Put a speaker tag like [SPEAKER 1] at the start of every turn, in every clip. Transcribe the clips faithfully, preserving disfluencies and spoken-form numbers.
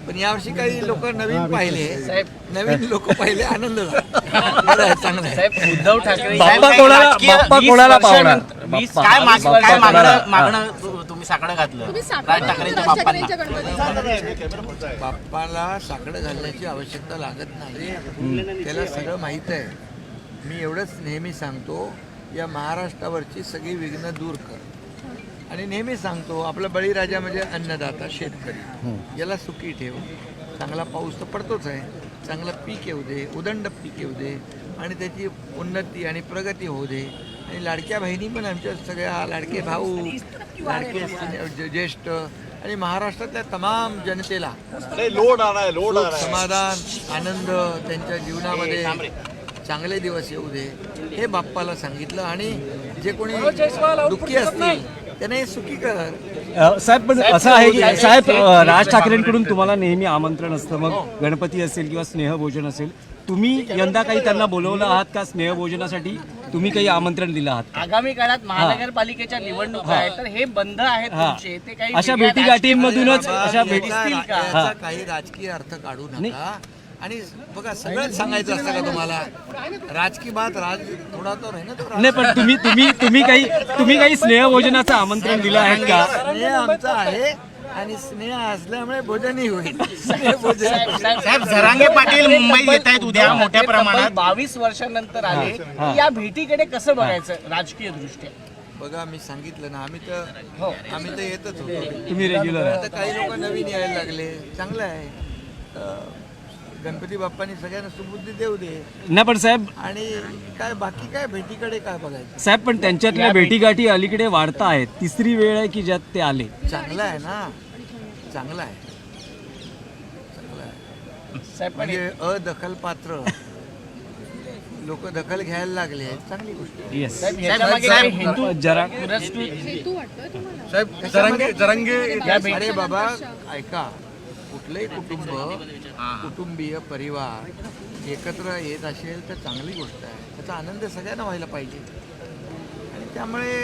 [SPEAKER 1] पण यावर्षी काही लोक नवीन पाहिले, नवीन लोक पाहिले, आनंद झाला. बरं आहे, चांगलं आहे.
[SPEAKER 2] साहेब उद्धव ठाकरे
[SPEAKER 3] बाप्पा कोणाला बाप्पा कोणाला पावणार?
[SPEAKER 2] काय माग- काय मागणं मागणं तु- तुम्ही साकडं घातलं
[SPEAKER 4] तुम्ही
[SPEAKER 2] राज
[SPEAKER 4] साखर
[SPEAKER 2] ठाकरेंच्या
[SPEAKER 4] राज
[SPEAKER 2] बाप्पांना.
[SPEAKER 4] ठाकरेंच्या गणपतीला
[SPEAKER 1] बाप्पाला साकडं घालण्याची आवश्यकता लागत नाही, त्याला सगळं माहीत आहे. मी एवढंच नेहमी सांगतो, या महाराष्ट्रावरची सगळी विघ्न दूर कर. आणि नेहमी सांगतो, आपला बळीराजा म्हणजे अन्नदाता शेतकरी, याला सुखी ठेव. चांगला पाऊस तर पडतोच आहे, चांगलं पीक येऊ दे, उदंड पीक येऊ दे आणि त्याची उन्नती आणि प्रगती होऊ दे. आणि लाडक्या बहिणी पण आमच्या सगळ्या, लाडके भाऊ, लाडके सिने- ज्येष्ठ आणि महाराष्ट्रातल्या तमाम जनतेला
[SPEAKER 5] लोड आलाय लोड
[SPEAKER 1] सुख, समाधान, आनंद त्यांच्या जीवनामध्ये चांगले दिवस येऊ दे, हे बाप्पाला सांगितलं. आणि जे कोणी दुःखी असतील त्यांना हे सुखी कर.
[SPEAKER 3] अ, साहेब पण असं आहे की साहेब अ, राज ठाकरेंकडून तुम्हाला नेहमी आमंत्रण असतं, मग गणपती असेल किंवा स्नेहभोजन असेल, तुम्ही यंदा काही त्यांना बोलवलं आहात का स्नेहभोजनासाठी? तुम्ही काही आमंत्रण दिलं आहात का?
[SPEAKER 2] आगामी काळात महानगरपालिकेच्या निवडणुका आहेत, तर हे बंद आहेत
[SPEAKER 3] हा.
[SPEAKER 2] तुमचे, ते काही
[SPEAKER 3] अशा
[SPEAKER 2] वेगळ्या
[SPEAKER 3] भेटीगाठींमधूनच
[SPEAKER 1] बाबा,
[SPEAKER 3] अशा
[SPEAKER 1] याचा
[SPEAKER 3] भेटी
[SPEAKER 1] रा-
[SPEAKER 2] का?
[SPEAKER 1] याचा काही राजकीय अर्थ काढू नका. आणि बघा, सगळंच सांगायचं असतं का तुम्हाला? राजकीय बात राज थोडा तो आहे ना, तो
[SPEAKER 3] नाही, पण तुम्ही तुम्ही तुम्ही काही तुम्ही काही स्नेहभोजनाचं आमंत्रण दिलं आहे का?
[SPEAKER 1] स्नेह आमचा आहे आणि स्नेह असल्यामुळे भोजनही होईल. स्नेहभोजन.
[SPEAKER 2] साहेब झरांगे पाटील मुंबईत येत आहेत उद्या मोठ्या प्रमाणात, बावीस वर्षानंतर आले,
[SPEAKER 3] हा.
[SPEAKER 2] या भेटीकडे कसं बघायचं राजकीय दृष्ट्या?
[SPEAKER 1] बघा, मी सांगितलं ना, आम्ही तर आम्ही तर येतच होतो.
[SPEAKER 3] तुम्ही रेग्युलर
[SPEAKER 1] आता काही लोक नवीन यायला लागले, चांगलं आहे. अं, गणपती बाप्पानी सगळ्यांना सुबुद्धी देऊ दे.
[SPEAKER 3] नाही, पण साहेब
[SPEAKER 1] आणि काय बाकी काय भेटीकडे काय बघायचं?
[SPEAKER 3] साहेब पण त्यांच्यातल्या भेटीगाठी अलीकडे वाढता आहेत. तिसरी वेळ आहे की ज्यात ते आले.
[SPEAKER 1] चांगलं आहे ना, चांगलं आहे, चांगलं आहे.
[SPEAKER 2] साहेब पण
[SPEAKER 1] म्हणजे अदखलपात्र लोक दखल घ्यायला लागले, चांगली गोष्ट आहे.
[SPEAKER 3] येस
[SPEAKER 2] साहेब, याच्यामागे काही हेतू
[SPEAKER 3] जरा
[SPEAKER 2] पुरस्कृत
[SPEAKER 4] हेतू वाटतोय तुम्हाला?
[SPEAKER 1] साहेब, जरंगे जरंगे अरे बाबा, ऐका, कुठलंही कुटुंब, कुटुंबीय परिवार एकत्र येत असेल तर चांगली गोष्ट आहे. त्याचा आनंद सगळ्यांना व्हायला पाहिजे. आणि त्यामुळे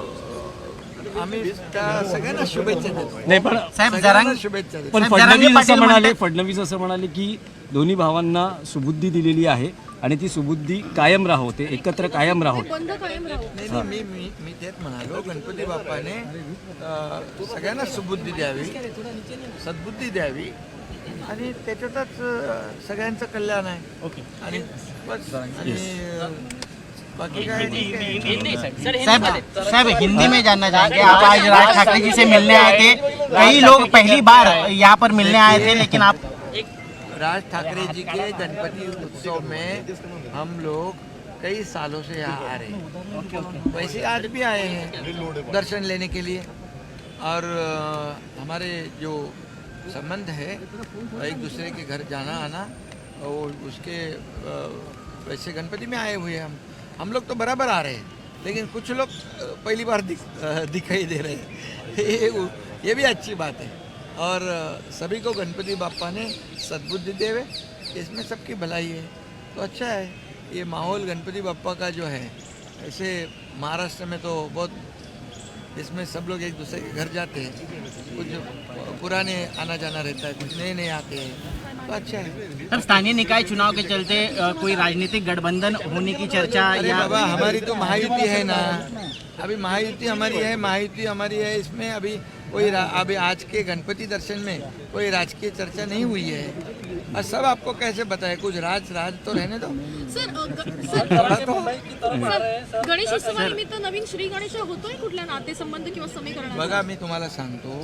[SPEAKER 1] अं, आम्ही त्या सगळ्यांना शुभेच्छा देतो.
[SPEAKER 3] नाही, पण
[SPEAKER 2] साहेब
[SPEAKER 1] सगळ्यांना
[SPEAKER 2] जरांगे
[SPEAKER 1] शुभेच्छा देतो.
[SPEAKER 3] पण
[SPEAKER 2] साहेब, जरांगे
[SPEAKER 3] फडणवीस असं
[SPEAKER 2] पाटील
[SPEAKER 3] म्हणाले
[SPEAKER 2] म्हणतात-
[SPEAKER 3] फडणवीस असं म्हणाले की दोन्ही भावांना सुबुद्धी दिलेली आहे आणि ती सुबुद्धी कायम राहो, ते एकत्र कायम राहो.
[SPEAKER 4] बंद कायम राहू.
[SPEAKER 1] नाही नाही, मी मी मी तेच म्हणालो, गणपती बाप्पाने अं, सगळ्यांना सुबुद्धी द्यावी, सद्बुद्धी द्यावी आणि त्याच्यातच अं, सगळ्यांचं कल्याण आहे. ओके. आणि बस. आणि अं, बाकी काय ठीक आहे.
[SPEAKER 2] साहब साहब हिंदी में जानना चाहेंगे, आप आज राज ठाकरे जी से मिलने आए थे, कई लोग पहली बार यहाँ पर मिलने आए थे, लेकिन आप
[SPEAKER 1] राज ठाकरे जी के गणपति उत्सव में हम लोग कई सालों से यहाँ आ रहे हैं, वैसे आज भी आए हैं दर्शन लेने के लिए. और अ, हमारे जो संबंध है, एक दूसरे के घर जाना आना, और उसके अ, वैसे गणपति में आए हुए हैं हम हम लोग तो बराबर आ रहे हैं, लेकिन कुछ लोग अ, पहली बार दिख, अ, दिखाई दे रहे हैं. ये, ये भी अच्छी बात है. और अ, सभी को गणपति बाप्पा ने सद्बुद्धि देवे, इसमें सबकी भलाई है, तो अच्छा है. ये माहौल गणपति बाप्पा का जो है, ऐसे महाराष्ट्र में तो बहुत, इसमें सब लोग एक दूसरे के घर जाते हैं, कुछ पुराने आना जाना रहता है, कुछ नए नए आते हैं, तो अच्छा है.
[SPEAKER 2] सर स्थानीय निकाय चुनाव के चलते अ, कोई राजनीतिक गठबंधन होने की चर्चा
[SPEAKER 1] अरे
[SPEAKER 2] या
[SPEAKER 1] बाबा, हमारी तो महायुति है ना, अभी महायुति हमारी है, महायुति हमारी है. इसमें अभी कोई रा- अभी आज के गणपति दर्शन में कोई राजकीय चर्चा नहीं हुई है. और सब आपको कैसे बताए, कुछ राज राज तो रहने दो.
[SPEAKER 4] सर अ, ग- सर
[SPEAKER 1] थोड़ा तो
[SPEAKER 4] सर, गणेश उत्सवानिमित्त नवीन श्री गणेश होतोय कुठल्या नातेसंबंध किंवा समीकरण?
[SPEAKER 1] बघा, मी तुम्हाला सांगतो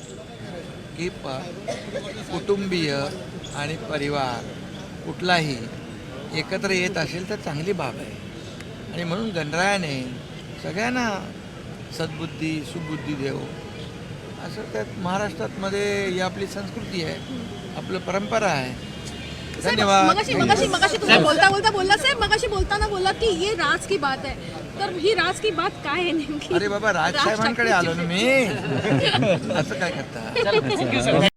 [SPEAKER 1] की प कुटुंबीय आणि परिवार कुठलाही एकत्र येत असेल तर चांगली बाब आहे. आणि म्हणून गणरायाने सगळ्यांना सद्बुद्धी सुबुद्धी देव, असं त्यात महाराष्ट्रात मध्ये ही आपली संस्कृती आहे, आपलं परंपरा आहे. धन्यवाद.
[SPEAKER 4] मगाशी मगाशी मगाशी तुम्ही बोलता बोलता बोलला साहेब, मगाशी बोलताना बोलला की ये राज की बात है, तर ही राज की बात काय आहे नेमकी?
[SPEAKER 1] अरे बाबा, राजसाहेबांकडे आलो ना मी. असं काय करता?